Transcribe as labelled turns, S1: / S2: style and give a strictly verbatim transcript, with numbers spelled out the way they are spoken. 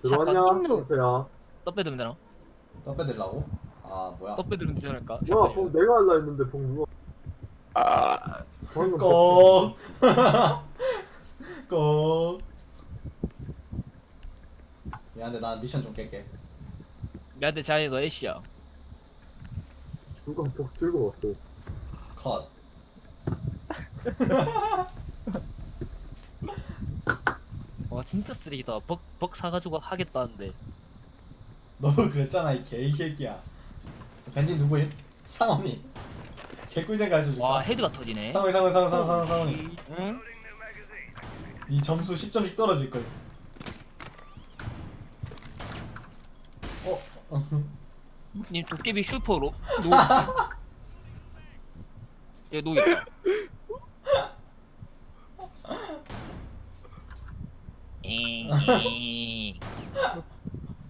S1: 들어왔냐?
S2: 샷건
S1: 상태야.
S2: 떡 빼들면 되나?
S3: 떡 빼들라고? 아 뭐야?
S2: 떡 빼들면 되지 않을까?
S1: 뭐야, 봉 내가 할라 했는데 봉 누가?
S4: 아,
S1: 방금
S3: 꼭. 꼭. 미안한데 나 미션 좀 깰게.
S2: 미안한데 자네 너 애쉬야.
S1: 누가 복 즐거웠어.
S3: 컷.
S2: 와 진짜 쓰레기다. 벅, 벅 사가지고 하겠다는데.
S3: 너도 그랬잖아 이 개새끼야. 밴디 누구임? 상원이. 개꿀잼 가르쳐줄까?
S2: 와 헤드가 터지네.
S3: 상원이 상원이 상원이 상원이 상원이.
S2: 응?
S3: 이 점수 십 점씩 떨어질걸. 어?
S2: 님 도깨비 슈퍼로 노. 얘 노겠다. 에이.